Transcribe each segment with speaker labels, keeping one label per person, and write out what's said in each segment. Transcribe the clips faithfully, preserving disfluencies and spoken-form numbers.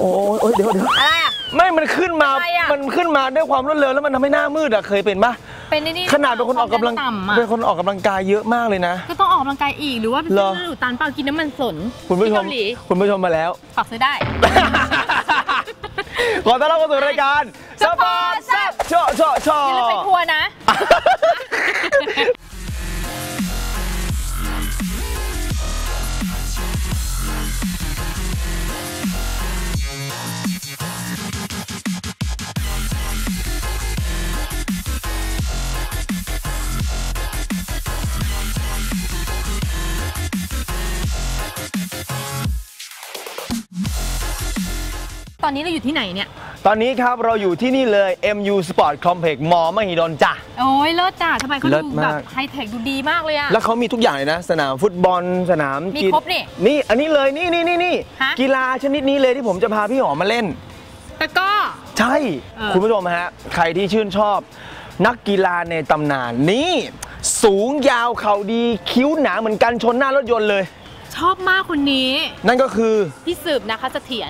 Speaker 1: โอ้เดี๋ยวเดี๋ยวอะไรอ่ะไม่มันขึ้นมามันขึ้นมาด้วยความรวดเร็วแล้วมันทำให้หน้ามืดอ่ะเคยเป็นปะเป็นนี่ขนาดเป็นคนออกกำลังเป็นคนออกกำลังกายเยอะมากเลยนะก็ต้องออกกำลังกายอีกหรือว่าเป็นเส้นหลุดตันเปล่ากินน้ำมันสนคุณผู้ชมคุณผู้ชมมาแล้วฝากซื้อได้ขอต้อนรับเข้าสู่รายการสปอร์ตแซ่บโชว์โชว์โชว์อย่าลืมไปทัวร์นะตอนนี้เราอยู่ที่ไหนเนี่ยตอนนี้ครับเราอยู่ที่นี่เลย เอ็ม ยู Sport Complex มอมหิดลจ้ะโอ้ยเลิศจ้ะทำไมเขาดูแบบไฮเทคดูดีมากเลยอะแล้วเขามีทุกอย่างเลยนะสนามฟุตบอลสนามมีครบนี่นี่อันนี้เลยนี่นี่นี่นี่กีฬาชนิดนี้เลยที่ผมจะพาพี่หอมมาเล่นตะก้อใช่คุณผู้ชมฮะใครที่ชื่นชอบนักกีฬาในตำนานนี่สูงยาวเข่าดีคิ้วหนาเหมือนกันชนหน้ารถยนต์เลยชอบมากคนนี้นั่นก็คือพี่สืบนะคะเสถียร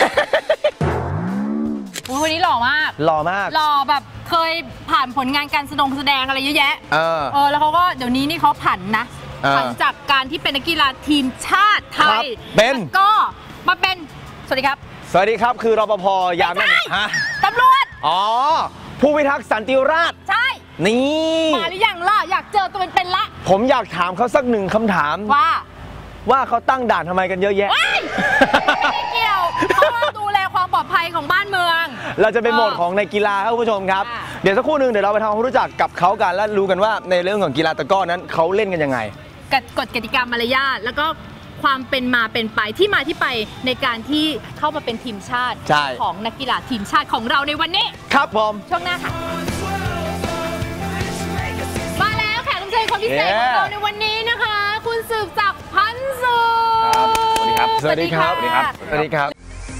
Speaker 1: คนนี้หล่อมากหล่อมากหล่อแบบเคยผ่านผลงานการแสดงแสดงอะไรเยอะแยะเออเออแล้วเขาก็เดี๋ยวนี้นี่เขาผันนะผันจากการที่เป็นนักกีฬาทีมชาติไทยเป็นก็มาเป็นสวัสดีครับสวัสดีครับคือรปภยามนั่นฮะตำรวจอ๋อผู้พิทักษ์สันติราษฎร์ใช่นี่มาหรือยังล่ะอยากเจอตัวเป็นๆละผมอยากถามเขาสักหนึ่งคำถามว่าว่าเขาตั้งด่านทำไมกันเยอะแยะไม่เกี่ยวเขาดูแลความปลอดภัยของบ้านเมืองเราจะเป็นโหมดของในกีฬาครับคุณผู้ชมครับเดี๋ยวสักครู่หนึ่งเดี๋ยวเราไปทำความรู้จักกับเขากันและรู้กันว่าในเรื่องของกีฬาตะกร้อนั้นเขาเล่นกันยังไงกฎกติกามารยาทแล้วก็ความเป็นมาเป็นไปที่มาที่ไปในการที่เข้ามาเป็นทีมชาติของนักกีฬาทีมชาติของเราในวันนี้ครับผมช่วงหน้าค่ะมาแล้วแขกรับเชิญคนพิเศษของเราในวันนี้นะคะคุณสืบศักดิ์พันธ์สุขสวัสดีครับสวัสดีครับสวัสดีครับสวัสดีครับ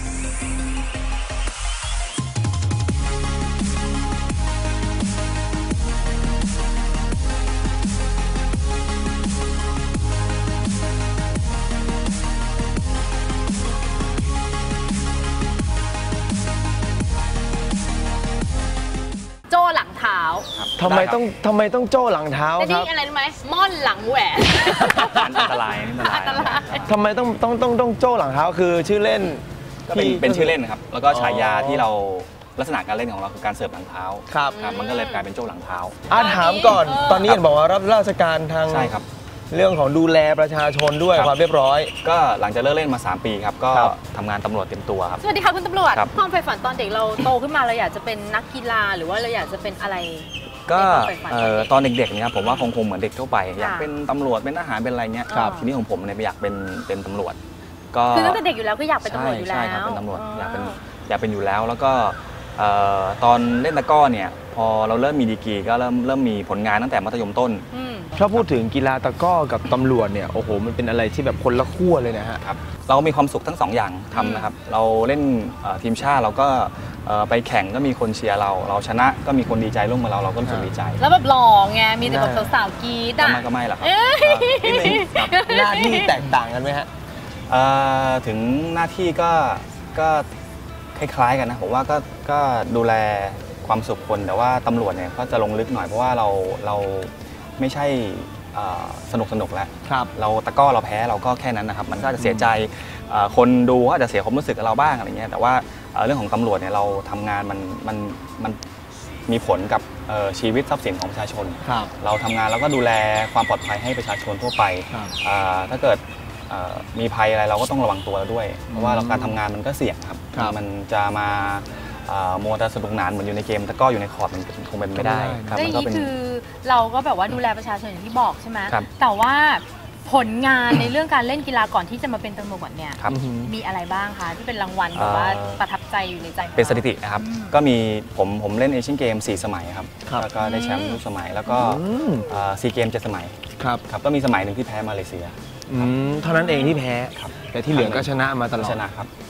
Speaker 1: โจ้หลังเท้าทำไมต้องทำไมต้องโจ้หลังเท้าครับนี่อะไรรู้ไหมม่อนหลังแหวนอันตรายอันตรายทำไมต้องต้องต้องต้องโจ้หลังเท้าคือชื่อเล่นก็เป็นเป็นชื่อเล่นนะครับแล้วก็ฉายาที่เราลักษณะการเล่นของเราคือการเสิร์ฟหลังเท้าครับมันก็เลยกลายเป็นโจ้หลังเท้าอ่ะถามก่อนตอนนี้เห็นบอกว่ารับราชการทางใช่ครับเรื่องของดูแลประชาชนด้วยความเรียบร้อยก็หลังจากเลิกเล่นมาสามปีครับก็ทำงานตำรวจเต็มตัวครับสวัสดีค่ะคุณตำรวจความใฝ่ฝันตอนเด็กเราโตขึ้นมาเราอยากจะเป็นนักกีฬาหรือว่าเราอยากจะเป็นอะไรก็ตอนเด็กๆเนี่ยผมว่าคงคงเหมือนเด็กทั่วไปอยากเป็นตำรวจเป็นทหารเป็นอะไรเงี้ยทีนี้ของผมเนี่ยอยากเป็นเป็นตำรวจก็คือตั้งแต่เด็กอยู่แล้วก็อยากเป็นตำรวจอยู่แล้วใช่ครับเป็นตำรวจอยากเป็นอยากเป็นอยู่แล้วแล้วก็ตอนเล่นตะก้อเนี่ยพอเราเริ่มมีดีกรีก็เริ่มเริ่มมีผลงานตั้งแต่มัธยมต้นถ้าพูดถึงกีฬาตะก้อกับตำรวจเนี่ยโอ้โหมันเป็นอะไรที่แบบคนละขั้วเลยนะฮะครับเรามีความสุขทั้งสองอย่างทำนะครับเราเล่นทีมชาติเราก็ไปแข่งก็มีคนเชียร์เราเราชนะก็มีคนดีใจร่วมกับเราเราก็รู้สึกดีใจแล้วแบบหล่อไงมีแต่แบบสาวๆกีดอ่ะก็ไม่หรอกครับหน้าที่แตกต่างกันไหมฮะถึงหน้าที่ก็ก็คล้ายๆกันนะผมว่าก็ก็ดูแลความสุขคนแต่ว่าตำรวจเนี่ยก็จะลงลึกหน่อยเพราะว่าเราเราไม่ใช่สนุกสนุกแล้วเราตะก้อเราแพ้เราก็แค่นั้นนะครับมันก็จะเสียใจคนดูก็อาจจะเสียความรู้สึกกับเราบ้างอะไรเงี้ยแต่ว่าเรื่องของตำรวจเนี่ยเราทำงานมันมันมันมีผลกับชีวิตทรัพย์สินของประชาชนเราทำงานแล้วก็ดูแลความปลอดภัยให้ประชาชนทั่วไปถ้าเกิดมีภัยอะไรเราก็ต้องระวังตัวด้วยเพราะว่าการทำงานมันก็เสี่ยงครับมันจะมาโมแต่สนุกหนานเหมือนอยู่ในเกมแต่ก็อยู่ในคอร์ดมันคงเป็นไม่ได้ครับมันก็เป็นคือเราก็แบบว่าดูแลประชาชนอย่างที่บอกใช่ไหมแต่ว่าผลงานในเรื่องการเล่นกีฬาก่อนที่จะมาเป็นตำรวจเนี่ยมีอะไรบ้างคะที่เป็นรางวัลแบบว่าประทับใจอยู่ในใจเป็นสถิตินะครับก็มีผมผมเล่นเอเชียนเกมสี่สมัยครับแล้วก็ได้แชมป์ทุกสมัยแล้วก็ซีเกมเจ็ดสมัยครับครับก็มีสมัยหนึ่งที่แพ้มาเลเซียเท่านั้นเองที่แพ้แต่ที่เหลือก็ชนะมาตลอดชนะครับ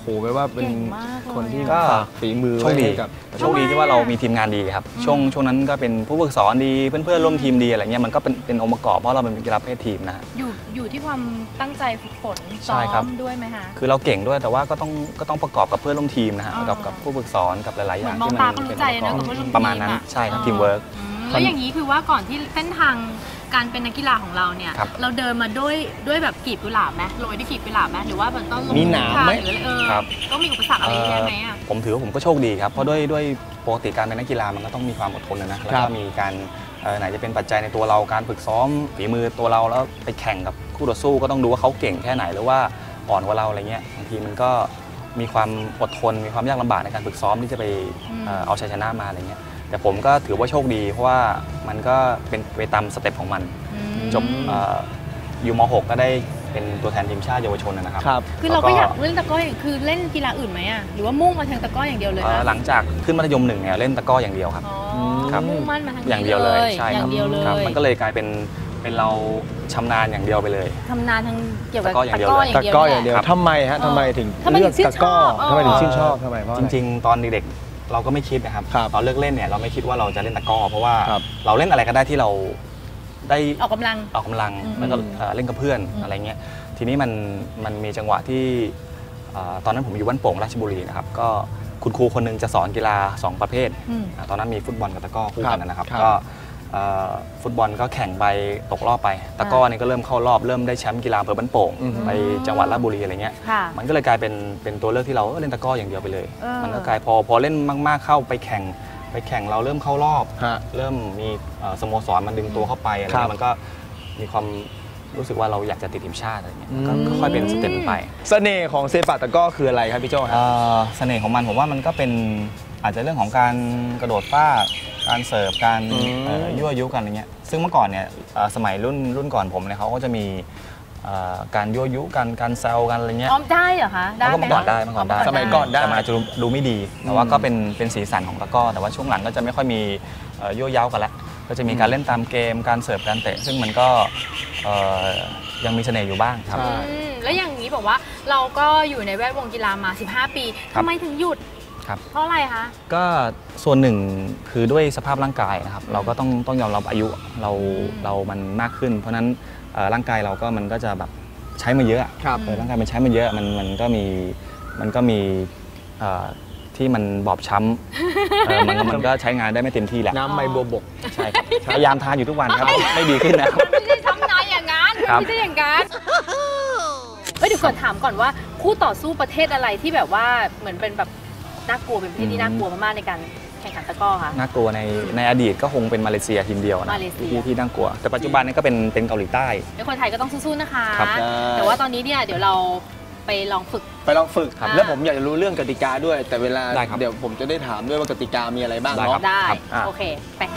Speaker 1: โหแปลว่าเป็นคนที่
Speaker 2: ก็
Speaker 1: ฝีมือ
Speaker 2: โชคดี
Speaker 1: กับ
Speaker 2: โชคดีที่ว่าเรามีทีมงานดีครับช่วงช่วงนั้นก็เป็นผู้ฝึกสอนดีเพื่อนๆร่วมทีมดีอะไรเงี้ยมันก็เป็นเป็นองค์ประกอบเพราะเราเป็นกีฬาประเภททีมนะ
Speaker 3: อยู่อยู่ที่ความตั้งใจฝึกฝนซ้
Speaker 2: ใช่
Speaker 3: อ
Speaker 2: ครับ
Speaker 3: มด้วยไหมคะ
Speaker 2: คือเราเก่งด้วยแต่ว่าก็ต้องก็ต้องประกอบกับเพื่อนร่วมทีมนะฮะกับกับผู้ฝึกสอนกับหลายๆอ
Speaker 3: เหมื
Speaker 2: ย่า
Speaker 3: อง นมอง
Speaker 2: ที่
Speaker 3: ตา
Speaker 2: มัน
Speaker 3: ก็
Speaker 2: เป็
Speaker 3: รู้
Speaker 2: น
Speaker 3: ใจ
Speaker 2: องค์ประก
Speaker 3: นะ
Speaker 2: อบ
Speaker 3: กับเพื่อนร่วมทีม
Speaker 2: ประมาณนั้นใช่ครับทีมเวิร์ก
Speaker 3: แล้วอย่างนี้คือว่าก่อนที่เส้นทางการเป็นนักกีฬาของเราเนี่ย
Speaker 2: ครับ
Speaker 3: เราเดินมาด้วยด้วยแบบกีบกุหลาบไหมโรยด้วยกีบกุหลาบไหมหรือว่ามันต้องลง
Speaker 1: มีหนามไหม
Speaker 3: หรือเออ
Speaker 2: ครับ
Speaker 3: ต้องมีอุปสรรคอะไรเยอะไหมอ่ะ
Speaker 2: ผมถือว่าผมก็โชคดีครับเพราะด้วยด้วยปกติการเป็นนักกีฬามันก็ต้องมีความอดทนนะแล้ว
Speaker 1: ครั
Speaker 2: ก็
Speaker 1: บ
Speaker 2: มีการเอ่อไหนจะเป็นปัจจัยในตัวเราการฝึกซ้อมฝีมือตัวเราแล้วไปแข่งกับคู่ต่อสู้ก็ต้องดูว่าเขาเก่งแค่ไหนหรือว่าอ่อนกว่าเราอะไรเงี้ยบางทีมันก็มีความอดทนมีความยากลำบากในการฝึกซ้อมที่จะไปเอ่อเอาชัยชนะมาอะไรเงี้ยแต่ผมก็ถือว่าโชคดีเพราะว่ามันก็เป็นไปตามสเต็ปของมันจบเอ่ออยู่ม หก ก็ได้เป็นตัวแทนทีมชาติเยาวชนนะครับ
Speaker 1: ครับ
Speaker 3: คือเราก็อยากเล่นตะกร้ออย่างคือเล่นกีฬาอื่นไหมอ่ะหรือว่ามุ่งมาทางตะกร้ออย่างเดียวเลย
Speaker 2: เอ่อ
Speaker 3: คะ
Speaker 2: หลังจากขึ้นมัธยมหนึ่งเนี่ยเล่นตะกร้ออย่างเดียวครับ
Speaker 3: อ๋อ
Speaker 2: ครับ
Speaker 3: มุ่งมั่นมาทางนี้
Speaker 2: อย่างเดียวเลยใช่
Speaker 3: อ
Speaker 2: ครั
Speaker 3: ย่า
Speaker 2: บ
Speaker 3: งเดียวเล
Speaker 2: ครับ
Speaker 3: ย
Speaker 2: มันก็เลยกลายเป็นเป็นเราชำนาญอย่างเดียวไปเลย
Speaker 3: ทำนานทางเกี่ยวกับ
Speaker 2: ตะกร้ออย่างเดียว
Speaker 1: ตะกร้ออย่างเดียว
Speaker 3: แหละ
Speaker 1: ทำไมฮะทำไมถึง
Speaker 3: ทำไมถึง
Speaker 1: เลือกตะกร้อ
Speaker 3: ชื่นชอบ
Speaker 1: ทำไมถึง
Speaker 3: เออ
Speaker 1: ชื่นชอบทำไมเพราะอะ
Speaker 2: จ
Speaker 1: ไร
Speaker 2: ริงๆ ตอนเด็กๆเราก็ไม่คิดนะครับ
Speaker 1: ครับ
Speaker 2: ตอนเลิกเล่นเนี่ยเราไม่คิดว่าเราจะเล่นตะกร้อเพราะว่า
Speaker 1: ครับ
Speaker 2: เราเล่นอะไรก็ได้ที่เราได้
Speaker 3: ออกกำลัง
Speaker 2: ออกกำลัง
Speaker 3: อืม
Speaker 2: แล้วก็เอ่อเล่นกับเพื่อน
Speaker 3: อืม
Speaker 2: อะไรเงี้ยทีนี้มันมันมีจังหวะที่เอ่อตอนนั้นผมอยู่บ้านโป่งราชบุรีนะครับก็คุณครูคนหนึงจะสอนกีฬาสองประเภท
Speaker 3: อืม
Speaker 2: อ่าตอนนั้นมีฟุตบอลกับตะกร้อคู่
Speaker 1: ครั
Speaker 2: กับ นนะครับ
Speaker 1: ครับ
Speaker 2: ก็เอ่อฟุตบอลก็แข่งไปตกรอบไปตะกร้อนี่ก็เริ่มเข้ารอบเริ่มได้แชมป์กีฬาอำเภอบ้านโป่ง
Speaker 1: อืม
Speaker 2: ไปจังหวัดราชบุรีอะไรเงี้ย
Speaker 3: ค่ะ
Speaker 2: มันก็เลยกลายเป็นเป็นตัวเลือกที่เราเออเล่นตะกร้ออย่างเดียวไปเลย
Speaker 3: เออ
Speaker 2: มันก็กลายพอพอเล่นมาก ๆเข้าไปแข่งไปแข่งเราเริ่มเข้ารอบ
Speaker 1: ฮะ
Speaker 2: เริ่มมีเอ่อสโมสรมันดึงตัวเข้าไปอะไร
Speaker 1: ครั
Speaker 2: เงี้
Speaker 1: บ
Speaker 2: ยมันก็มีความรู้สึกว่าเราอยากจะติดทีมชาติอะไรเงี้ย
Speaker 1: อืม
Speaker 2: ก็ค่อยเป็นสเต็ปไป
Speaker 1: เสน่ห์ของเซปักตะกร้อคืออะไรครับพี่โจ้ครับ
Speaker 2: เอ่อเสน่ห์ของมันผมว่ามันก็เป็นอาจจะเรื่องของการกระโดดฟาดการเสิร์ฟการ
Speaker 1: อืม
Speaker 2: เอ่อยั่วยุกันอะไรเงี้ยซึ่งเมื่อก่อนเนี่ยเอ่อสมัยรุ่นรุ่นก่อนผมเนี่ยเขาก็จะมีเอ่อการยั่วยุกันการแซวกันอะไรเงี้ย
Speaker 3: อ๋อได้เหรอคะได้
Speaker 2: เมื่อ
Speaker 3: ไหม
Speaker 2: ก่อนได้เมื่อก่อนได้
Speaker 1: สมัยก่อนได้
Speaker 2: แต่มันอาจจะดูดูไม่ดี แต่ว่าก็เป็นเป็นสีสันของตะกร้อ แต่ว่าช่วงหลังก็จะไม่ค่อยมีเอ่อยั่วเย้ากันละก็จะมีการเล่นตามเกม การเสิร์ฟ การเตะ ซึ่งมันก็เอ่อยังมีเสน่ห์อยู่บ้างครับ
Speaker 1: ใช่
Speaker 3: อืมแล้วอย่างนี้บอกว่าเราก็อยู่ในแวดวงกีฬามา สิบห้า ปี
Speaker 2: ครับ
Speaker 3: ทำไมถึงหยุด
Speaker 2: ครับ
Speaker 3: เพราะอะไรคะ
Speaker 2: ก็ส่วนหนึ่งคือด้วยสภาพร่างกายนะครับ เราก็ต้องต้องยอมรับอายุเรา
Speaker 3: อืม
Speaker 2: เรามันมากขึ้น เพราะฉะนั้นเอ่อร่างกายเราก็มันก็จะแบบใช้มาเยอะ
Speaker 1: ครับ
Speaker 2: เออร่างกายมันใช้มาเยอะมันมันก็มีมันก็มีเอ่อที่มันบอบช้ำเออมันก็มันก็ใช้งานได้ไม่เต็มที่แหละ
Speaker 1: น้ำใบบัวบก
Speaker 2: ใช่ครับพยายามทานอยู่ทุกวันครับ ไม่ดีขึ้นนะครับ
Speaker 3: ไม่ได้ทำนายอย่างนั้น
Speaker 2: ครับ
Speaker 3: ไม่ใช่อย่างนั้นเฮ้ยเดี๋ยวก่อนถามก่อนว่าคู่ต่อสู้ประเทศอะไรที่แบบว่าเหมือนเป็นแบบน่ากลัวเป็นประเทศที่น่ากลัวมากๆในการแข่งขันตะกร้อคะ
Speaker 2: น่ากลัวในในอดีตก็คงเป็นมาเลเซียทีมเดียวนะ
Speaker 3: มาเลเซีย
Speaker 2: ที่ที่น่ากลัว แต่ปัจจุบันนี้ก็เป็นเป็นเกาหลีใต้
Speaker 3: เดี๋ยวคนไทยก็ต้องสู้ๆนะคะ
Speaker 2: ครับ
Speaker 3: แต่ว่าตอนนี้เนี่ยเดี๋ยวเราไปลองฝึก
Speaker 1: ไปลองฝึก
Speaker 3: ครับ
Speaker 1: แล้วผมอยากจะรู้เรื่องกติกาด้วย แต่เวลา
Speaker 2: ได้ครับ
Speaker 1: เดี๋ยวผมจะได้ถามด้วยว่ากติกามีอะไรบ้าง
Speaker 2: ได้ครั
Speaker 1: เนาะ
Speaker 2: บ
Speaker 3: ได้
Speaker 1: อ่ะ
Speaker 3: โอเค ไปค่ะ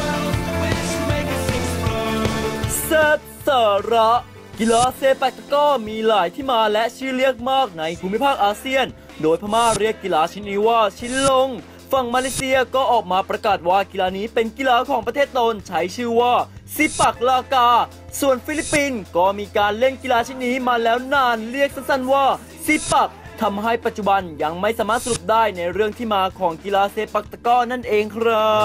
Speaker 4: เสิร์ฟสาระกีฬาเซปักตะกร้อมีหลายที่มาและชื่อเรียกมากในภูมิภาคอาเซียน โดยพม่าเรียกกีฬาชนิดนี้ว่าชินลง ฝั่งมาเลเซียก็ออกมาประกาศว่ากีฬานี้เป็นกีฬาของประเทศตนใช้ชื่อว่าซิปักลากา ส่วนฟิลิปปินส์ก็มีการเล่นกีฬาชนิดนี้มาแล้วนานเรียกสั้นๆว่าซิปักทำให้ปัจจุบันยังไม่สามารถสรุปได้ในเรื่องที่มาของกีฬาเซปักตะกร้อนั่นเองครับ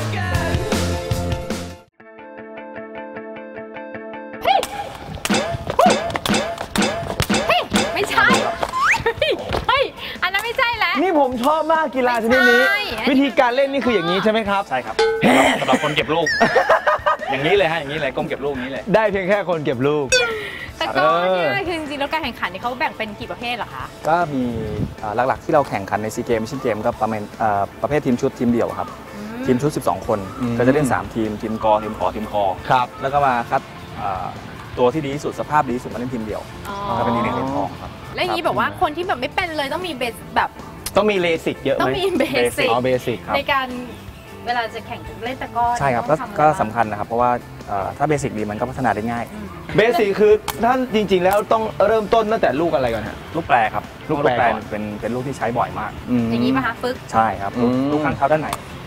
Speaker 3: ไม่ใช่ เฮ้ย อันนั้นไม่ใช่แล้ว
Speaker 1: นี่ผมชอบมากกีฬาชนิดนี้
Speaker 3: ไม่ใช่อันนี้
Speaker 1: วิธีการเล่นนี่คืออย่างนี้ใช่ไหมครับ
Speaker 2: ใช่ครับสำหรับคนเก็บลูก อย่างนี้เลยฮะอย่างนี้เลยก้มเก็บลูกอย่างนี้เลย
Speaker 1: ได้เพียงแค่คนเก็บลูก
Speaker 3: ตะกร้อ
Speaker 1: เออ
Speaker 3: เนี่ยคือจริงๆแล้วการแข่งขันนี่เขาแบ่งเป็นกี่ประเภทเหรอคะ
Speaker 2: ก็มีเอ่อหลักๆที่เราแข่งขันในซีเกมชินเกมก็ประมาณเอ่อประเภททีมชุดทีมเดี่ยวครับ ทีมชุด สิบสอง คน
Speaker 1: อืม
Speaker 2: ก็จะเล่นสามทีมทีมกอทีมขอทีมคอ
Speaker 1: ครับ
Speaker 2: แล้วก็มาคัดเอ่อตัวที่ดีที่สุดสภาพดีที่สุดมาเล่นทีมเดี่ยว
Speaker 3: อ๋อ
Speaker 2: ก็เป็นทีมเหรียญทองครับ
Speaker 3: แล้วอย่างนี้แบบว่าคนที่แบบไม่เป็นเลยต้องมีเบสแบบ
Speaker 1: ต้องมีเลสิกเยอะ
Speaker 3: ต้อ
Speaker 1: ไห
Speaker 3: ง
Speaker 1: ม
Speaker 3: มีเบสิก
Speaker 1: อ๋อเบสิก
Speaker 2: ครับ
Speaker 3: ในการเวลาจะแข่งเล่นตะกร้อ
Speaker 2: ใช่ครับก็
Speaker 3: ต้องทำอะไ
Speaker 2: ก็สำคัญนะครับ เพราะว่าเอ่อถ้าเบสิกดีมันก็พัฒนาได้ง่าย
Speaker 3: อืม
Speaker 1: เบสิกคือท่านจริง ๆ แล้วต้องเริ่มต้นตั้งแต่ลูกอะไรก่อนฮะ
Speaker 2: ลูกแปรครับ
Speaker 1: ลูกแปรก่อน
Speaker 2: เป็นเป็นลูกที่ใช้บ่อยมาก
Speaker 3: อย่างนี้ป่ะคะฟึก
Speaker 2: ใช่ครับลูก
Speaker 1: อืม
Speaker 2: ลูกข้างเท้าด้านไหน
Speaker 3: อื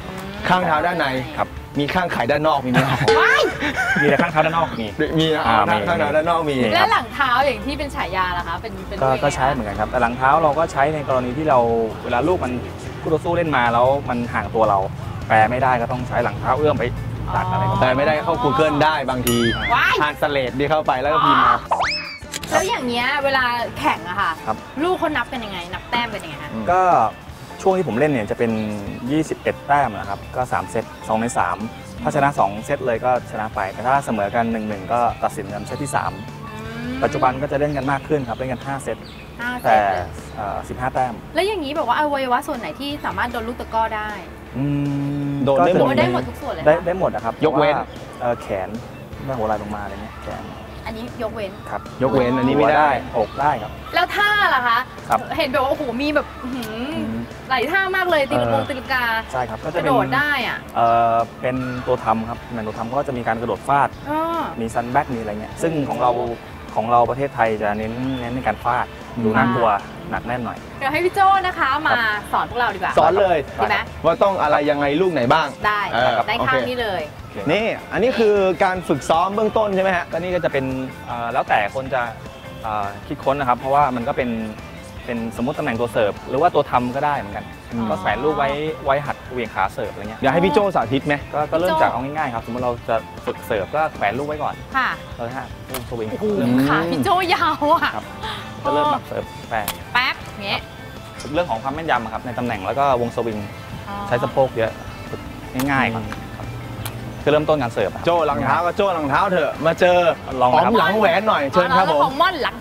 Speaker 1: ข้างเท้าด้านใน
Speaker 2: ครับ
Speaker 1: มีข้างไขด้านนอกมีไหมครับ
Speaker 2: มีแต่ข้างเท้าด้านนอกมี
Speaker 1: มีนะ
Speaker 2: อ่ามี
Speaker 1: ข้างเท้าด้านนอกมี
Speaker 3: แล้วหลังเท้าอย่างที่เป็นฉายาล่ะคะเป็นเป็น
Speaker 2: ก็
Speaker 3: ด้วย
Speaker 2: ก็ใช้เหมือนกันครับแต่หลังเท้าเราก็ใช้ในกรณีที่เราเวลาลูกมันคู่ต่อสู้เล่นมาแล้วมันห่างตัวเราแปรไม่ได้ก็ต้องใช้หลังเท้าเอื้อมไปตักอะไรก็
Speaker 1: แต่ไม่ได้เข้า Google ได้บางที
Speaker 3: ว้าย
Speaker 1: ทานสเลดที่เข้าไปแล้วก็พิมพ์มา
Speaker 3: แล้วอย่างเงี้ยเวลาแข่งอะค่ะ
Speaker 2: ครับ
Speaker 3: ลูกเขานับกันยังไง นับแต้มกันยังไงคะ
Speaker 2: ก็ช่วงที่ผมเล่นเนี่ยจะเป็น ยี่สิบเอ็ด แต้มนะครับก็สามเซตสองในสามถ้าชนะสองเซตเลยก็ชนะไปแต่ถ้าเสมอกัน หนึ่งหนึ่ง ก็ตัดสินกันเซตที่สามปัจจุบันก็จะเล่นกันมากขึ้นครับเล่นกันห้าเซต
Speaker 3: ห้าเซ
Speaker 2: แต่
Speaker 3: ตเลย
Speaker 2: เอ่อสิบห้าแต้ม
Speaker 3: แล้วอย่างนี้แบบว่าอวัยวะส่วนไหนที่สามารถโดนลูกตะกร้อได้
Speaker 2: อืม
Speaker 1: โดนได้หม
Speaker 3: โด
Speaker 1: ด
Speaker 3: นได้หมดทุกส่วนเลย
Speaker 2: ได้
Speaker 3: ค่ะ
Speaker 2: ได้หมดนะครับ
Speaker 1: ยกเว้น
Speaker 2: พราะาเอ่อแขนแม่หัวไหล่ลงมาอะไรเงี้ยแขน
Speaker 3: อันนี้ยกเว้น
Speaker 2: ครับ
Speaker 1: ยกเว้นอันนี้ไม่ได้
Speaker 2: อกได้ครับ
Speaker 3: แล้วท่าล่ะคะ
Speaker 2: ครับ
Speaker 3: เห็นแบบว่าโอ้โหมีแบบอื้อหือ
Speaker 2: ม
Speaker 3: หลายท่ามากเลยตีลังกง
Speaker 2: เออ
Speaker 3: ตีลังกา
Speaker 2: ใช่ครับก็
Speaker 3: ก
Speaker 2: จะ
Speaker 3: ระ
Speaker 2: เป็
Speaker 3: โด
Speaker 2: น
Speaker 3: ดได้อ่ะ
Speaker 2: เอ่อเป็นตัวทำครับในตัวทำก็จะมีการกระโดดฟาด
Speaker 3: อ้อ
Speaker 2: มีซันแบ็กมีอะไรเงี้ยซึ่งของเราของเราประเทศไทยจะเน้นเน้นในการฟาดดูน่ากลัวหนักแน่นหน่อย
Speaker 3: เดี๋ยวให้พี่โจ้นะคะมาสอนพวกเราดีกว่า
Speaker 1: สอนเลย
Speaker 3: ดีไหม
Speaker 1: ว่าต้องอะไรยังไงลูกไหนบ้าง
Speaker 3: ได้
Speaker 1: เออ
Speaker 3: ได้
Speaker 1: โอเค
Speaker 3: ข้างนี้เลย
Speaker 1: นี่ อันนี้คือการฝึกซ้อมเบื้องต้นใช่ไหมฮะ
Speaker 2: ก็นี่ก็จะเป็นเอ่อแล้วแต่คนจะเอ่อคิดค้นนะครับ เพราะว่ามันก็เป็นเป็นสมมติตำแหน่งตัวเสิร์ฟหรือว่าตัวทำก็ได้เหมือนกัน
Speaker 3: อืม
Speaker 2: ก็แขวนลูกไว้ไว้หัดเหวี่ยงขาเสิร์ฟอะไรเงี้ย
Speaker 1: อยากให้พี่โจสาธิตไหม
Speaker 2: ก็ก็เริ่ม
Speaker 3: โจ้
Speaker 2: จากเอาง่ายๆครับสมมติเราจะฝึกเสิร์ฟก็แขวนลูกไว้ก่อน
Speaker 3: ค่ะ
Speaker 2: เราจะฮะลูกสวิง
Speaker 3: โอ้โห
Speaker 2: เริ่ม
Speaker 3: ขาพี่โจ้ยาวอ่ะ
Speaker 2: ครับก็เริ่มแบบเสิร์ฟแปร
Speaker 3: แป๊บอย่างเงี้ย
Speaker 2: ฝึกเรื่องของความแม่นยำอะครับในตำแหน่งแล้วก็วงสวิง
Speaker 3: อ๋อ
Speaker 2: ใช้สะโพกเยอะฝึกง่ายๆครับครับคือเริ่มต้นการเสิร์ฟอะครับ
Speaker 1: โจหลังเท้าก็โจหลังเท้าเถอะ มาเจอ
Speaker 2: ลอง
Speaker 1: อ๋อ
Speaker 2: นะครับ
Speaker 1: มหลังแหวนหน่อย เชิญครับ
Speaker 3: แล้
Speaker 1: ผ
Speaker 3: ว
Speaker 1: ม
Speaker 3: ของม่อนหลัง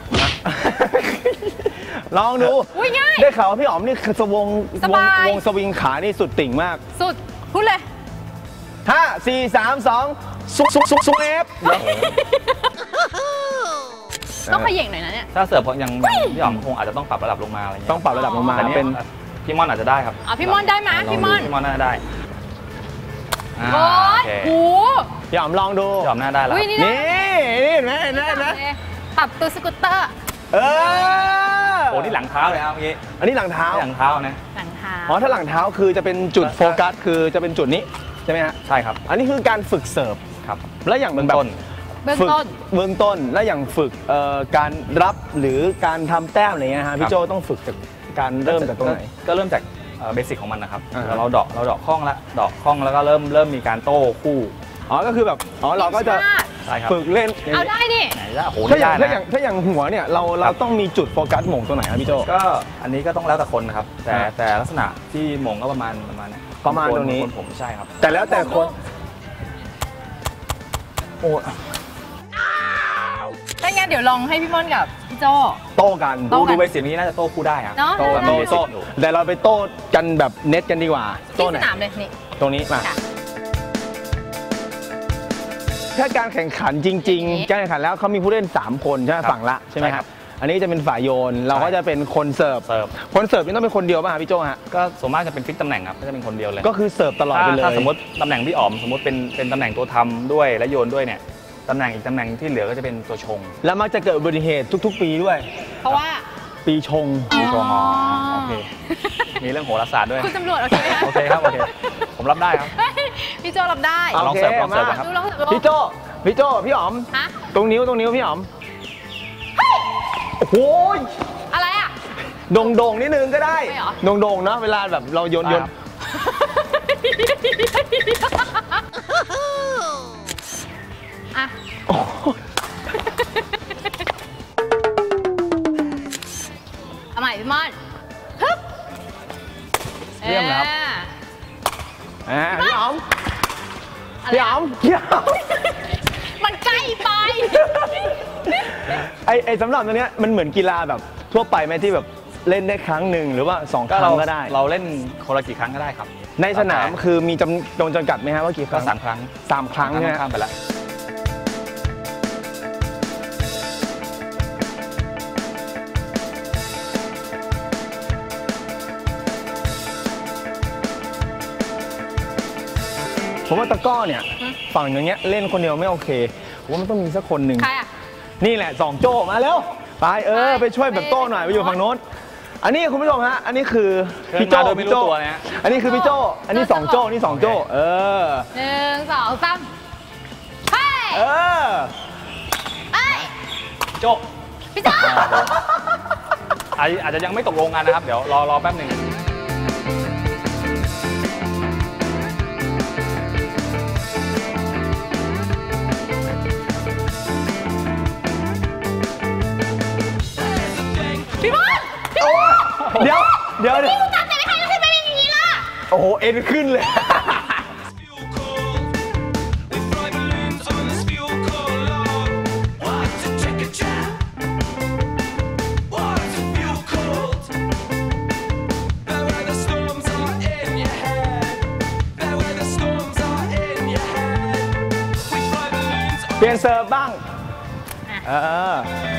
Speaker 1: ลองดู
Speaker 3: อุ้ยง่าย
Speaker 1: ได้ข่าวว่าพี่อ๋อมนี่คือสวง
Speaker 3: ส
Speaker 1: วง
Speaker 3: บาย
Speaker 1: วงสวิงขานี่สุดติ่งมาก
Speaker 3: สุด พูดเลย
Speaker 1: ห้า สี่ สาม สองซุกซุกซุกซุกเอฟ
Speaker 3: ต้องขย่งหน่อยนะเนี่ย
Speaker 2: ถ้าเสิร์ฟเพราะยังยังพี่อ๋อมคงอาจจะต้องปรับระดับลงมาอะไรเงี้ย
Speaker 1: ต้องปรับระดับลงมา
Speaker 2: แต่เนี่ย
Speaker 1: เป็น
Speaker 2: พี่ม่อนอาจจะได้ครับ
Speaker 3: อ่ะพี่ม่อนได้ไหม
Speaker 2: ลง
Speaker 3: พี่ม่อน
Speaker 2: พี่ม่อนน่าจะได้อ่า
Speaker 3: โอ้
Speaker 2: โอย เค
Speaker 3: โห
Speaker 1: พี่อ๋อมลองดู
Speaker 2: พี่อ๋อมน่าได้แล้ว
Speaker 3: อุ้ยนี่
Speaker 1: นี่นี่เห็นไหมเห็นไหมเห็นไหม
Speaker 3: ปรับตัวสกูตเตอร์
Speaker 1: เออ
Speaker 2: โอ้นี่หลังเท้าเลยครับเมื่อกี้
Speaker 1: อันนี้หลังเท้า
Speaker 2: นี่หลังเท้านะ
Speaker 3: หลังเท้า
Speaker 1: อ๋อ ถ้าหลังเท้าคือจะเป็นจุดโฟกัส คือจะเป็นจุดนี้ใช่ไหมฮะ
Speaker 2: ใช่ครับ
Speaker 1: อันนี้คือการฝึกเสิร์ฟ
Speaker 2: ครับ
Speaker 1: แล้วอย่างมันแบบ
Speaker 2: ต้น
Speaker 3: เบื้อง
Speaker 1: ฝึก
Speaker 3: ต้น
Speaker 1: เบื้องต้น แล้วอย่างฝึกเอ่อการรับหรือการทำแต้มอะไรเงี้ยฮะพี่โจต้องฝึกจากการเริ่มจากตรงไหน
Speaker 2: ก็เริ่มจากเบสิกของมันนะครับ
Speaker 1: อ่าฮะ
Speaker 2: แล้วเราเดาะเราเดาะคล้องละเดาะคล้องแล้วก็เริ่มเริ่มมีการโต้คู่
Speaker 1: อ๋อ ก็คือแบบ อ๋อ เราก็จะ
Speaker 2: ใช่ครับ
Speaker 1: ฝึกเล่นอย่าง
Speaker 3: เอา
Speaker 1: นี้
Speaker 3: ได้นี่
Speaker 2: ไหนจะโอ้โห
Speaker 1: ถ้าอย่าง
Speaker 2: ได้
Speaker 1: ถ้าอย่าง
Speaker 2: นะ
Speaker 1: ถ้าอย่างหัวเนี่ยเราเราต้องมีจุดโฟกัสหม่งตรงไหนครับพี่โจ
Speaker 2: ก็อันนี้ก็ต้องแล้วแต่คนนะครับ แต่
Speaker 1: ครับ
Speaker 2: แต่ลักษณะที่หม่งก็ประมาณประมาณเนี้ย
Speaker 1: ประมาณตรงนี้
Speaker 2: คนผมใช่ครับ
Speaker 1: แต่แล้วแต่คนโอ้
Speaker 3: ถ้างั้นเดี๋ยวลองให้พี่ม่อนกับพี่โจ้
Speaker 1: โต้กัน
Speaker 3: โต้
Speaker 2: ดูดูเบสิกนี้น่าจะโต้คู่ได้ครับ
Speaker 3: เนาะ
Speaker 1: โต้
Speaker 3: ได้
Speaker 1: โต้
Speaker 3: ได้
Speaker 1: โต้แต่เราไปโต้กันแบบเน็ตกันดีกว่า
Speaker 3: ที่
Speaker 1: โต้
Speaker 3: ส
Speaker 1: ไหน
Speaker 3: นามเลยนี่
Speaker 1: ตรงนี้มา
Speaker 3: ค่ะ
Speaker 1: ถ้าการแข่งขันจริง ๆ การแข่งขันแล้วเขามีผู้เล่นสามคนใช่ไหม
Speaker 2: ครับ
Speaker 1: ฝั่งละใช่ไหม
Speaker 2: ใช่
Speaker 1: ค
Speaker 2: ครั
Speaker 1: รับบ อันนี้จะเป็นฝ่ายโยน เราก็จะเป็นคนเสิร์ฟ
Speaker 2: เสิร์ฟ
Speaker 1: คนเสิร์ฟนี่ต้องเป็นคนเดียวป่ะครับพี่โจฮะ
Speaker 2: ก็ส่วนมากจะเป็นฟิกตำแหน่งครับก็จะเป็นคนเดียวเลย
Speaker 1: ก็คือเสิร์ฟตลอดไปเลย
Speaker 2: ถ้าสมมติตำแหน่งพี่อ๋อมสมมติเป็นเป็นตำแหน่งตัวทำด้วยและโยนด้วยเนี่ยตำแหน่งอีกตำแหน่งที่เหลือก็จะเป็นตัวชง
Speaker 1: แล้วมักจะเกิดอุบัติเหตุทุก ๆ ปีด้วย
Speaker 3: เพราะว่า
Speaker 1: ปีชง
Speaker 2: ตัวชงอ๋อ
Speaker 3: อ๋อ
Speaker 2: โอเคมีเรื่องโหราศาสตร์ด้วย
Speaker 3: คุณตำรวจโอเคไหมคะ
Speaker 2: โอเคครับโอเคผมรับได้ครับ
Speaker 3: เฮ้ยพี่โจรับได้
Speaker 2: ลองเสิร์ฟลองเสิร์ฟ
Speaker 1: มา
Speaker 2: นะครับ
Speaker 3: ดูลองดู
Speaker 1: พี่โจพี่โจพี่อ๋อม
Speaker 3: ฮะ
Speaker 1: ตรงนิ้วตรงนิ้วพี่อ๋อมโอ้โห
Speaker 3: อะไรอ่ะ
Speaker 1: โด่งโด่งๆนิดนึงก็ได้
Speaker 3: ไม่เหรอ
Speaker 1: โด่งโด่งๆนะเวลาแบบเราโยนโยน
Speaker 2: ครับ
Speaker 3: อ่ะ
Speaker 1: โอ้โห
Speaker 3: เอาใหม่พี่ม่อนฮึบ
Speaker 2: เยี่ยมแล้ว
Speaker 3: อ่า
Speaker 1: อ่าพี่อ๋อม
Speaker 3: อะไร
Speaker 1: พี่อ๋อมพี่อ๋อม
Speaker 3: มันใกล้ไป
Speaker 1: ไอไอสำหรับตัวเนี้ยมันเหมือนกีฬาแบบทั่วไปไหมที่แบบเล่นได้ครั้งหนึ่งหรือว่าสองค
Speaker 2: ก็
Speaker 1: รั้
Speaker 2: เรา
Speaker 1: งก็ได้
Speaker 2: เราเล่นคนละกี่ครั้งก็ได้ครับ
Speaker 1: ในสนามคือมีจำจำจำกัดไหมฮะว่ากี่ค
Speaker 2: ก็
Speaker 1: รั้ง
Speaker 2: สามครั้ง
Speaker 1: สามครั้งใช่ไหม
Speaker 2: ข้ามไปแล้ว
Speaker 1: ผมว่าตะกร้อเนี่ยฝั่งอย่างเงี้ยเล่นคนเดียวไม่โอเคผมว่ามันต้องมีสักคนหนึ่ง
Speaker 3: ใครอ่ะ
Speaker 1: นี่แหละสองโจ้มาแล้วไปเออไปช่วยแบบโต้หน่อยไปอยู่ฝั่งโน้นอันนี้คุณผู้ชมฮะอันนี้คือ
Speaker 2: เชิญ
Speaker 1: พี่โจ
Speaker 2: มาโดยไม่รู้
Speaker 1: พี่โจ
Speaker 2: ตัวนะฮะ
Speaker 1: อันนี้คือพี่โจอันนี้สองโจนี่สองโจเออ
Speaker 3: หนึ่งสองสามเฮ้ย
Speaker 1: เออ
Speaker 3: เอ้ย
Speaker 2: โจ๊ก
Speaker 3: พี่โจ้
Speaker 2: อาจอาจจะยังไม่ตกลงกันนะครับ เดี๋ยวรอรอแป๊บหนึ่ง
Speaker 3: พี่บอล
Speaker 1: โอ้เดี๋ยวเดี๋ยวเดี๋ยว
Speaker 3: พี่ตัดแต่ไม่ใครขึ้นมาเป็นอย่างนี้ล่ะ
Speaker 1: โอ้โหเอ็นขึ้นเลย เปลี่ยนเซิร์ฟบ้างเออ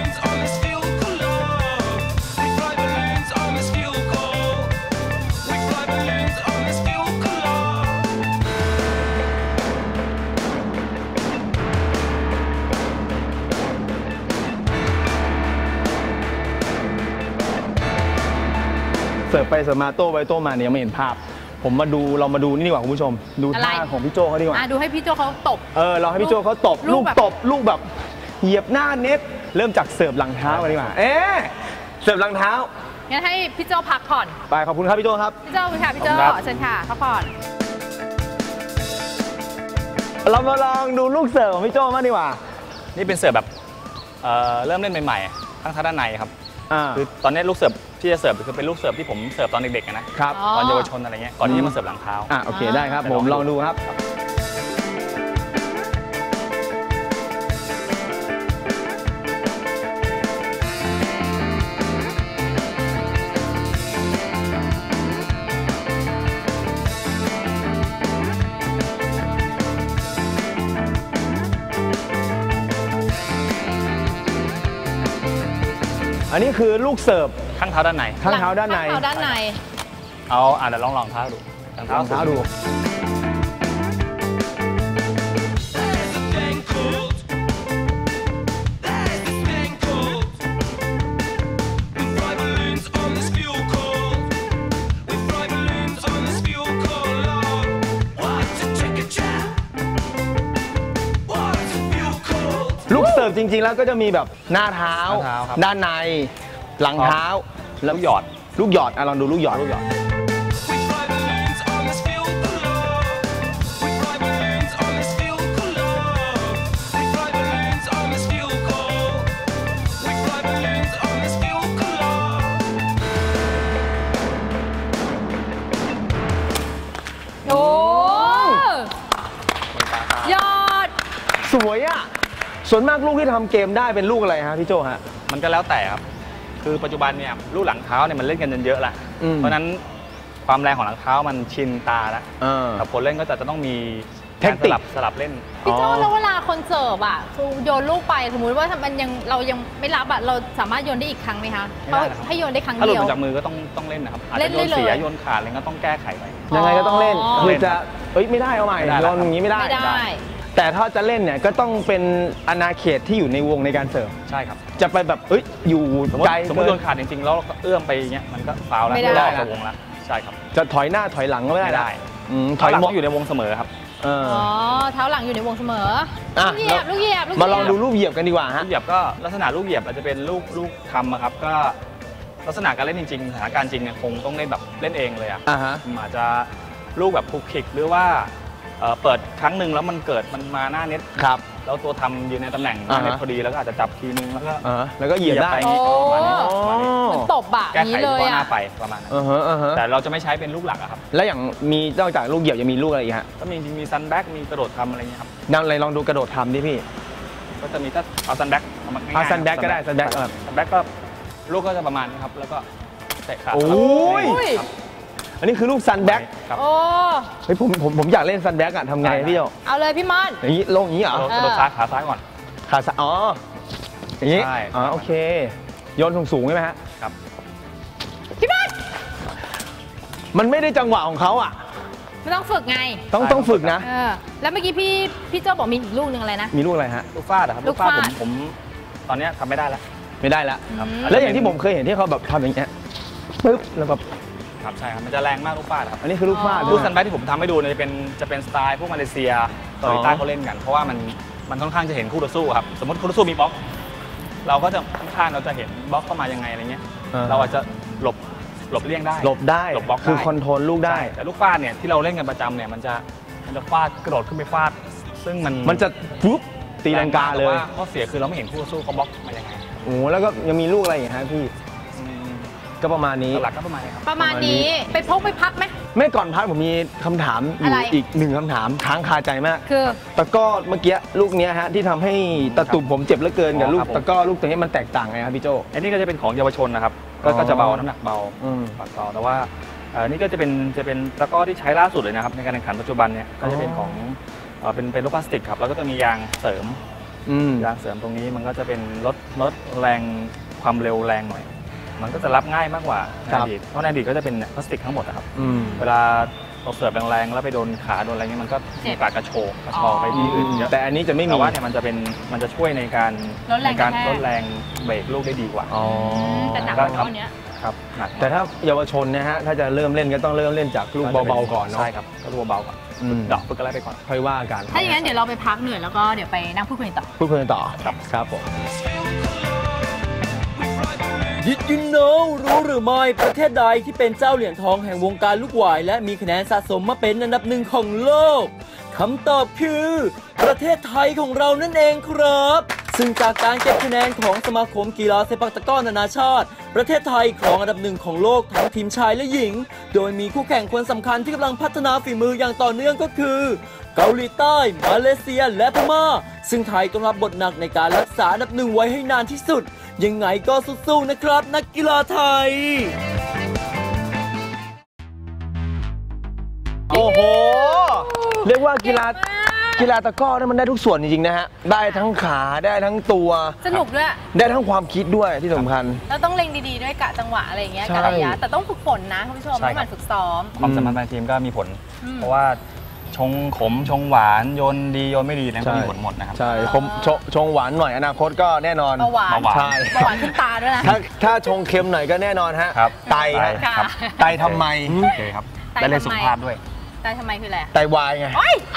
Speaker 1: เสิร์ฟไปเสิร์ฟมาโต้ไปโต้มาเนี่ยยังไม่เห็นภาพ ผมมาดูเรามาดูนี่ดีกว่าคุณผู้ชม ดูท่าของพี่โจเขาดีกว่า
Speaker 3: อ่ะดูให้พี่โจเขาตบ
Speaker 1: เออเราให้พี่โจเขาตบ
Speaker 3: ลู
Speaker 1: ลู
Speaker 3: ก
Speaker 1: ก
Speaker 3: แบบ
Speaker 1: ตบลูกแบบเหยียบหน้าเน็ตเริ่มจากเสิร์ฟหลังเท้ากันดีกว่าเอ๊ะเสิร์ฟหลังเท้า
Speaker 3: งั้นให้พี่โจพักผ่อน
Speaker 1: ไปขอบคุณครับพี่โจครับ
Speaker 3: พี่โจคุณค่ะพี่โจ
Speaker 2: ขอบคุณครับ
Speaker 3: เชิญค่ะพักผ่อน
Speaker 1: เรามาลองดูลูกเสิร์ฟของพี่โจมากดีกว่า
Speaker 2: นี่เป็นเสิร์ฟแบบเอ่อเริ่มเล่นใหม่ๆข้างทางด้านในครับ
Speaker 1: อ่า
Speaker 2: คือตอนนี้ลูกเสิร์ฟที่จะเสิร์ฟคือเป็นลูกเสิร์ฟที่ผมเสิร์ฟตอนเด็กๆนะครับ
Speaker 3: อ๋อ
Speaker 2: ตอนเยาวชนอะไรเงี้ยก่อนที่จะมาเสิร์ฟหลังเท้า
Speaker 1: อ่าโอเคได้ครับ
Speaker 2: เดี๋
Speaker 1: ผ
Speaker 2: ยว
Speaker 1: ม
Speaker 2: ล
Speaker 1: ล
Speaker 2: อ
Speaker 1: อง ง
Speaker 2: ดู
Speaker 1: ดูครับ อันนี้คือลูกเสิร์ฟ
Speaker 2: ข้างเท้าด้านใน
Speaker 1: ข้างเท้าด้านใน
Speaker 3: ข้างเท้าด้านใน
Speaker 2: เอาอ่ะเดี๋ยวลองลองเท้าดูหลัง
Speaker 1: รองเท้าดู ลูกเสิร์ฟจริงๆแล้วก็จะมีแบบหน้าเท้า
Speaker 2: หน้าเท้าครับ
Speaker 1: ด้านใน หลังเท้า
Speaker 2: แล้
Speaker 1: แล้ว ว
Speaker 2: หยอด
Speaker 1: ลูกหยอดอ่ะลองดูลูกหยอดลูกหยอด
Speaker 3: โอ้ยอด
Speaker 1: สวยอ่ะ ส่วนมากลูกที่ทำเกมได้เป็นลูกอะไรฮะพี่โจฮะ
Speaker 2: มันก็แล้วแต่ครับ คือปัจจุบันเนี่ยลูกหลังเท้าเนี่ยมันเล่นกันจนเยอะละ
Speaker 1: อืม
Speaker 2: เพราะฉะนั้นความแรงของหลังเท้ามันชินตาแล้ว
Speaker 1: เออ
Speaker 2: แต่คนเล่นก็จะจะต้องมี
Speaker 1: เทคนิค
Speaker 2: การสลับสลับเล่น
Speaker 3: พี่โจ
Speaker 1: อ๋อ
Speaker 3: แล้วเวลาคนเสิร์ฟอ่ะคือโยนลูกไปสมมุติว่ามันยังเรายังไม่รับอ่ะเราสามารถโยนได้อีกครั้งไหมคะ
Speaker 2: ไม่ได้นะครับ
Speaker 3: ให้โยนได้ครั้ง
Speaker 2: ถ้าหลุ
Speaker 3: เดี
Speaker 2: ด
Speaker 3: ยว
Speaker 2: มาจากมือก็ต้องต้องเล่นนะครับอาจ
Speaker 3: เล่
Speaker 2: จะ
Speaker 3: น
Speaker 2: โย
Speaker 3: ได้
Speaker 2: น
Speaker 3: เลย
Speaker 2: เสียโยนขาดอะไรก็ต้องแก้ไขไป
Speaker 1: ยังไงก็ต้องเล่น
Speaker 3: อ๋อ
Speaker 1: คือจะเอ้ยไม่ได้เอาใหม่
Speaker 2: ไม่ได้
Speaker 1: โย
Speaker 2: แล้ว
Speaker 1: นอย่างนี้ไม่ได้
Speaker 3: ไม่ได้
Speaker 1: แต่ถ้าจะเล่นเนี่ยก็ต้องเป็นอาณาเขตที่อยู่ในวงในการเสิร์ฟ
Speaker 2: ใช่ครับ
Speaker 1: จะไปแบบเอ้ยอยู่
Speaker 2: สมมติ
Speaker 1: ไกล
Speaker 2: สมมติ
Speaker 1: เกิ
Speaker 2: โย
Speaker 1: น
Speaker 2: นขาดจริงๆแล้วเราก็เอื้อมไปอย่างเงี้ยมันก็ฟาวล์แล้ว
Speaker 3: ไม่ได้
Speaker 2: รอบจากวงแล้วใช่ครับ
Speaker 1: จะถอยหน้าถอยหลังก็ไม่ได้
Speaker 2: ไม่ได้
Speaker 1: อืมถ
Speaker 2: ถอ
Speaker 1: อย ย
Speaker 2: หลัง
Speaker 1: ม
Speaker 2: ต้องอยู่ในวงเสมอครับ
Speaker 1: เออ
Speaker 3: อ๋อเท้าหลังอยู่ในวงเสมอ
Speaker 1: อ่ะ
Speaker 3: ลูกเหยียบลูกเหยียบลูกเหยียบ
Speaker 1: มาลองดูรูปเหยียบกันดีกว่าฮะ
Speaker 2: ลูกเหยียบก็ลักษณะลูกเหยียบอาจจะเป็นลูกลูกทำอะครับก็ลักษณะการเล่นจริงๆสถานการณ์จริงเนี่ยคงต้องเล่นแบบเล่นเองเลยอ่ะ
Speaker 1: อ่าฮะ
Speaker 2: อาจจะลูกแบบคลุกคลิกหรือว่าเอ่อเปิดครั้งหนึ่งแล้วมันเกิดมันมาหน้าเน็ต
Speaker 1: ครับ
Speaker 2: แล้วตัวทำยืนในตำแหน่งหน้าเน็ต
Speaker 1: อ่าฮะ
Speaker 2: พอดีแล้วก็อาจจะจับทีนึงแล้วก็
Speaker 1: อ่าฮะแล้วก็เหยียบได้
Speaker 2: ไป
Speaker 3: โอ้
Speaker 2: ประมาณนี้ประมาณนี้
Speaker 3: เหมือนตบอะอ
Speaker 2: แก้
Speaker 3: ย่าง
Speaker 2: ไข
Speaker 3: นี้
Speaker 2: เฉ
Speaker 3: เลย
Speaker 2: พาะหน้า
Speaker 3: อะ
Speaker 2: ไปประมาณนั้น
Speaker 1: อ่าฮะอ่าฮะ
Speaker 2: แต่เราจะไม่ใช้เป็นลูกหลักอะครับ
Speaker 1: แล้วอย่างมีนอกจากลูกเหยียบยังมีลูกอะไรอีกฮะ
Speaker 2: ก็มีจริงๆมีซันแบ็กมีกระโดดทำอะไรเงี้ยครับ
Speaker 1: นั่นอะไรลองดูกระโดดทำดิพี่
Speaker 2: ก็จะมีถ้าเอาซันแบ็กเอามาง่ายๆ
Speaker 1: เอา sunback ก็ได้ sunback เออ
Speaker 2: ซันแบ็กก็ลูกก็จะประมาณนี้ครับแล้วก็เตะขา
Speaker 1: โอ้ย
Speaker 2: ครับ
Speaker 1: อันนี้คือลูกซันแบ็ก
Speaker 2: ครับ
Speaker 3: โอ้
Speaker 1: เฮ้ยผมผมผมอยากเล่นซันแบ็กอะทำไง
Speaker 2: ได้
Speaker 1: พี่โจ
Speaker 3: เอาเลยพี่มอน
Speaker 1: อย่างนี้ลงอย่างนี้เหร
Speaker 2: ก
Speaker 1: อ
Speaker 2: ระโดดกระโดดซ้ายขาซ้ายก่อน
Speaker 1: ขาซ้ายอ๋ออย่างนี้
Speaker 2: ใช่
Speaker 1: อ๋อโอเคโยนสูงๆใช่ไหมฮะ
Speaker 2: ครับ
Speaker 3: พี่มอน
Speaker 1: มันไม่ได้จังหวะของเขาอ่ะ
Speaker 3: ไม่ต้องฝึกไง
Speaker 1: ต้อง
Speaker 2: ใช่
Speaker 1: ต้องฝึกนะ
Speaker 3: เออแล้วเมื่อกี้พี่พี่โจบอกมีอีกลูกหนึ่งอะไรนะ
Speaker 1: มีลูกอะไรฮะ
Speaker 2: ลูกฟาดอะครับ
Speaker 3: ลูกฟาด
Speaker 2: ผมผมตอนเนี้ยทำไม่ได้แล้ว
Speaker 1: ไม่ได้แล้ว
Speaker 2: ครับ
Speaker 3: อืม
Speaker 1: แล้วอย่างที่ผมเคยเห็นที่เขาแบบทำอย่างเงี้ยปึ๊บแล้วแบบ
Speaker 2: ครับใช่ครับมันจะแรงมากลูกฟาดครับ
Speaker 1: อันนี้คือลูกฟาด
Speaker 2: ลูกซันแบ็กที่ผมทำให้ดูเนี่ยจะเป็นจะเป็นสไตล์พวกมาเลเซียเกาหลีใต้เขาเล่นกันเพราะว่ามันมันค่อนข้างจะเห็นคู่ต่อสู้ครับสมมติคู่ต่อสู้มีบล็อกเราก็จะค่อนข้างเราจะเห็นบล็อกเข้ามายังไงอะไรเงี้ยเราอาจจะหลบหลบเลี่ยงได้
Speaker 1: หลบได้
Speaker 2: หลบบล็อกได้
Speaker 1: คือคอนโทรลลูกได้
Speaker 2: แต่ลูกฟาดเนี่ยที่เราเล่นกันประจำเนี่ยมันจะมันจะฟาดกระโดดขึ้นไปฟาดซึ่งมัน
Speaker 1: มันจะปุ๊บตีลังกาเลย
Speaker 2: ข้อเสียคือเราไม่เห็นคู่ต่อสู้เขาบล็อกมายังไง
Speaker 1: โอ้แล้วก็ยังมีลูกอะไรอย่างฮะพี่ก็ประมาณนี้
Speaker 2: หลักก็ประมาณนี้ครับ
Speaker 3: ประมาณนี้ไปพกไปพักไหม
Speaker 1: ไม่ก่อนพักผมมีคำถามอยู่
Speaker 3: อะไร
Speaker 1: อีกหนึ่งคำถามค้างคาใจมาก
Speaker 3: คือ
Speaker 1: ตะกร้อเมื่อกี้ลูกเนี้ยฮะที่ทำให้ตะตุ่มผมเจ็บเหลือเกินกับ
Speaker 2: อ๋อ
Speaker 1: ลูก
Speaker 2: ครับผม
Speaker 1: ตะกร้อลูกตัวนี้มันแตกต่างไงครับพี่โจ
Speaker 2: อันนี้ก็จะเป็นของเยาวชนนะครับก็
Speaker 1: อ๋อ
Speaker 2: ก็จะเบาน้ำหนักเบา
Speaker 1: อืม
Speaker 2: ปากเบาแต่ว่าเอ่อนี่ก็จะเป็นจะเป็นตะกร้อที่ใช้ล่าสุดเลยนะครับในการแข่งขันปัจจุบันเนี่ยก็จะเป็นของเอ่อเป็นเป็นลูกพลาสติกครับแล้วก็จะมียางเสริม
Speaker 1: อืม
Speaker 2: ยางเสริมตรงนี้มันก็จะเป็นลดลดแรงความเร็วแรงหน่อยมันก็จะรับง่ายมากกว่าในอดีตเพราะในอดีตก็จะเป็นพลาสติกทั้งหมดนะครับ
Speaker 1: อืม
Speaker 2: เวลาเราเสิร์ฟแรงๆแล้วไปโดนขาโดนอะไรเงี้ยมันก็
Speaker 3: เจ็
Speaker 2: มี
Speaker 3: บ
Speaker 2: โอกาสกระโชกกระชอกไปที่อื่นเยอะ
Speaker 1: แต่อันนี้จะไม่มี
Speaker 2: แต่ว่าเนี่ยมันจะเป็นมันจะช่วยในการ
Speaker 3: ลดแรง
Speaker 2: ในการ
Speaker 3: กระแทก
Speaker 2: ลดแรงเบรกลูกได้ดีกว่า
Speaker 1: อ๋อ
Speaker 3: แต่หนัก
Speaker 2: ก็
Speaker 3: กว่า
Speaker 2: ครับ
Speaker 3: เท่านี้
Speaker 2: ครับหนัก
Speaker 1: แต่ถ้าเยาวชนนะฮะถ้าจะเริ่มเล่นก็ต้องเริ่มเล่นจากลูกเบาๆก่อนเนาะ
Speaker 2: ใช่ครับก็ลูกเบาๆก่อน
Speaker 1: อืม
Speaker 2: ดอกฝึกอะไรไปก่อน
Speaker 1: ค่อยว่ากัน
Speaker 3: ถ้าอย่างนั้นเดี๋ยวเราไปพักเหนื่อยแล้วก็เดี๋ยวไปนั่งพูดคุยกันต่อ
Speaker 1: พูดคุยกันต่อครับครับผม
Speaker 4: Did you know รู้หรือไม่ประเทศใดที่เป็นเจ้าเหรียญทองแห่งวงการลูกหวายและมีคะแนนสะสมมาเป็นอันดับหนึ่งของโลกคำตอบคือ ประเทศไทยของเรานั่นเองครับ ซึ่งจากการเก็บคะแนนของสมาคมกีฬาเซปักตะกร้อนานาชาติประเทศไทยครองอันดับหนึ่งของโลกทั้งทีมชายและหญิง โดยมีคู่แข่งคนสำคัญที่กำลังพัฒนาฝีมืออย่างต่อเนื่องก็คือ เกาหลีใต้ มาเลเซีย และพม่า ซึ่งไทยต้องรับบทหนักในการรักษาอันดับหนึ่งไว้ให้นานที่สุด ยังไงก็สู้ๆนะครับนักกีฬาไทย
Speaker 1: โอ้โห เรียกว่ากีฬากีฬาตะกร้อเนี่ยมันได้ทุกส่วนจริงๆนะฮะ ได้ทั้งขาได้ทั้งตัว
Speaker 3: สนุกด้วย
Speaker 1: ได้ทั้งความคิดด้วยที่สำคัญ
Speaker 3: แล้วต้องเล็งดีๆด้วยกะจังหวะอะไรอย่างเงี้ย
Speaker 1: ใช่
Speaker 3: กะระยะแต่ต้องฝึกฝนนะคุณผู้ชม
Speaker 2: ใช่
Speaker 3: ต้องห
Speaker 2: ครั
Speaker 3: มั่
Speaker 2: บ
Speaker 3: นฝึกซ้อม
Speaker 2: ความสามารถในทีมก็มีผล
Speaker 3: อืม
Speaker 2: เพราะว่าชงขมชงหวานโยนดีโยนไม่ดีอะไรก็มีผลหมดนะครับ
Speaker 1: ใช่ผมชงชงหวานหน่อยอนาคตก็แน่นอน
Speaker 3: เบาหวาน
Speaker 2: เบาหวาน
Speaker 1: ใช่
Speaker 3: เบาหวานขึ้นตาด้วยนะ
Speaker 1: ถ้าถ้าชงเค็มหน่อยก็แน่นอนฮะ
Speaker 2: ครับ
Speaker 1: ไตฮะ
Speaker 3: ค่ะ
Speaker 2: ครับ
Speaker 1: ไตทำไม
Speaker 2: โอเคครับ
Speaker 3: ไต
Speaker 2: ได้เรื่อง
Speaker 3: ทำไม
Speaker 2: สุขภาพด้วย
Speaker 3: แต่ทำไมคืออะไร
Speaker 1: ไตวายไง
Speaker 3: โอ๊ย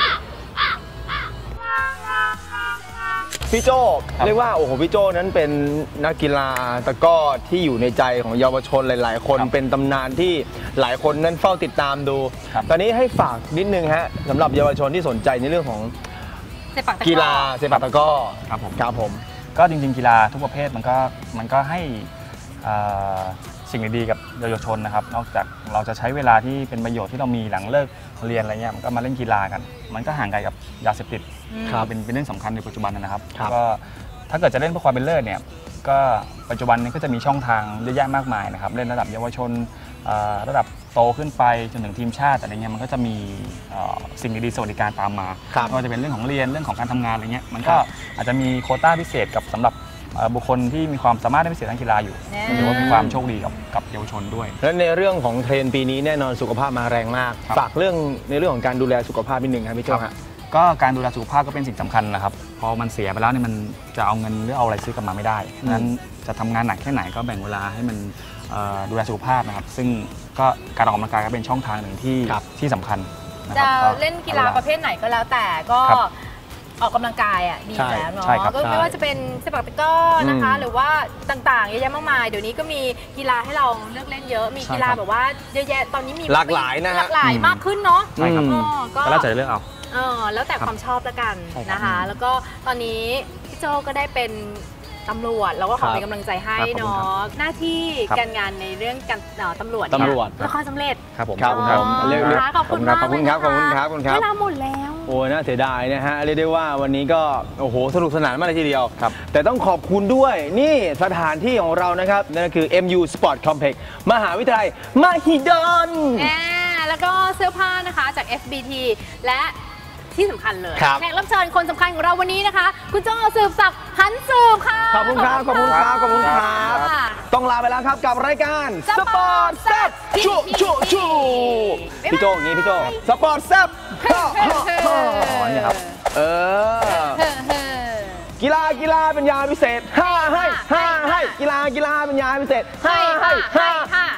Speaker 1: พี่โจ
Speaker 2: ครับ
Speaker 1: เรียกว่าโอ้โหพี่โจนั้นเป็นนักกีฬาตะกร้อที่อยู่ในใจของเยาวชนหลาย ๆ คน
Speaker 2: ครับ
Speaker 1: เป็นตำนานที่หลายคนนั้นเฝ้าติดตามดู
Speaker 2: ครับ
Speaker 1: ตอนนี้ให้ฝากนิดนึงฮะสำหรับเยาวชนที่สนใจในเรื่องของ
Speaker 3: เซปักตะกร้อ
Speaker 1: กีฬาเซปักตะกร้อ
Speaker 2: ครับผม
Speaker 1: ครับผม
Speaker 2: ก็จริงๆกีฬาทุกประเภทมันก็มันก็ให้เอ่อสิ่งดีๆกับเยาวชนนะครับนอกจากเราจะใช้เวลาที่เป็นประโยชน์ที่เรามีหลังเลิกเรียนอะไรเงี้ยมันก็มาเล่นกีฬากัน มันก็ห่างไกลกับยาเสพติด
Speaker 1: ครับ
Speaker 2: เป็นเป็นเรื่องสำคัญในปัจจุบันนะครับ
Speaker 1: ครับ
Speaker 2: ก็ถ้าเกิดจะเล่นเพื่อความเป็นเลิศเนี่ยก็ปัจจุบันนี้ก็จะมีช่องทางเยอะแยะมากมายนะครับเล่นระดับเยาวชนเอ่อระดับโตขึ้นไปจนถึงทีมชาติอะไรเงี้ยมันก็จะมีเอ่อสิ่งดีๆสวัสดิการตามมา
Speaker 1: ครับ
Speaker 2: ไม่ว่าจะเป็นเรื่องของเรียนเรื่องของการทำงานอะไรเงี้ยมันก็
Speaker 1: ครับ
Speaker 2: อาจจะมีโควต้าพิเศษกับสำหรับเอ่อบุคคลที่มีความสามารถในพิเศษทางกีฬาอยู่
Speaker 3: แน่
Speaker 2: ถือว่าเป็นความโชคดีกับกับเยาวชนด้วย
Speaker 1: และในเรื่องของเทรนด์ปีนี้แน่นอนสุขภาพมาแรงมาก
Speaker 2: ครับ
Speaker 1: ฝากเรื่องในเรื่องของการดูแลสุขภาพนิดนึงครับพี่โจฮะ
Speaker 2: ก็การดูแลสุขภาพก็เป็นสิ่งสำคัญนะครับพอมันเสียไปแล้วเนี่ยมันจะเอาเงินหรือเอาอะไรซื้อกลับมาไม่ได้ดังนั้นจะทำงานหนักแค่ไหนก็แบ่งเวลาให้มันเอ่อดูแลสุขภาพนะครับซึ่งก็การออกกำลังกายก็เป็นช่องทางหนึ่งที่
Speaker 1: ครับ
Speaker 2: ที่สำคัญนะค
Speaker 3: จะ
Speaker 2: รับ
Speaker 3: เล่นกีฬาประเภทไหนก็แล้วแต่ก็
Speaker 2: ครับ
Speaker 3: ออกกำลังกายอ่ะดี
Speaker 1: ใช่
Speaker 3: แล้วเนาะ
Speaker 2: ใช่ครับ
Speaker 3: ก็ไม่ว่าจะเป็นเซปักตะกร้อนะคะ
Speaker 1: อืม
Speaker 3: หรือว่าต่างๆเยอะแยะมากมายเดี๋ยวนี้ก็มีกีฬาให้เราเลือกเล่นเยอะมี
Speaker 2: ใช่
Speaker 3: กีฬา
Speaker 2: ครับ
Speaker 3: แบบว่าเยอะแยะตอนนี้มี
Speaker 1: หลากหลายนะฮะ
Speaker 3: หลากหลายมากขึ้นเนาะ
Speaker 2: ใช่ครับ
Speaker 1: อืม
Speaker 3: อ๋อก็
Speaker 2: ก็แล้วแต่จะเลือกเอา
Speaker 3: เออแล้วแต่ความชอบละกัน
Speaker 2: ใช่ครับ
Speaker 3: นะคะ แล้วก็ตอนนี้พี่โจก็ได้เป็นตำรวจเราก็ขอเป็นกำลังใจให้
Speaker 2: ครับขอบคุณ
Speaker 3: เนา
Speaker 2: ครับ
Speaker 3: ะหน้าที่
Speaker 2: ครับ
Speaker 3: การงานในเรื่องการเอ่อตำรวจเนี่ย
Speaker 1: ตำรวจ
Speaker 3: ละครสำเร็จ
Speaker 2: ครับผม
Speaker 1: ครับ
Speaker 2: ขอณ
Speaker 1: ครับ
Speaker 3: อ๋อ
Speaker 1: เรียกเรียก
Speaker 3: นะคะขอบคุณมาก
Speaker 1: ขอบคุณครับ
Speaker 3: เลยนะะ
Speaker 1: ขอบคุณครับขอบคุณครับ
Speaker 3: เวลาหมดแล้ว
Speaker 1: โอ้ยน่าเสียดายนะฮะเรียกได้ว่าวันนี้ก็โอ้โหสนุกสนานมากเลยทีเดียว
Speaker 2: ครับ
Speaker 1: แต่ต้องขอบคุณด้วยนี่สถานที่ของเรานะครับนั่นก็คือ เอ็ม ยู Sport Complex มหาวิทยาลัยมหิดล
Speaker 3: แน่แล้วก็เสื้อผ้านะคะจาก เอฟ บี ที และที่สำคัญเลย
Speaker 1: ครับ
Speaker 3: แขกรับเชิญคนสำคัญของเราวันนี้นะคะ คุณโจสืบศักดิ์หันสืบค่ะ
Speaker 1: ขอบคุณครับขอบคุณครับขอบคุณครับ
Speaker 3: ค่ะ
Speaker 1: ต้องลาไปแล้วครับกับรายการ
Speaker 3: สปอร์ตแซ่บ
Speaker 1: ชูชูชูพี่โจอย่างนี้พี่โจสปอร์ตแซ่บฮ่าฮ่าฮ่า
Speaker 2: อ๋อเนี่ยครับ
Speaker 1: เออ
Speaker 3: เฮ้อเฮ้อ
Speaker 1: กีฬากีฬาเป็นยาพิเศษห้าให้ห้าให้กีฬากีฬาเป็นยาพิเศษห้าให้ห้า
Speaker 3: ให้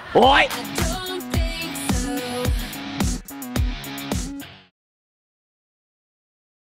Speaker 1: โอ้ย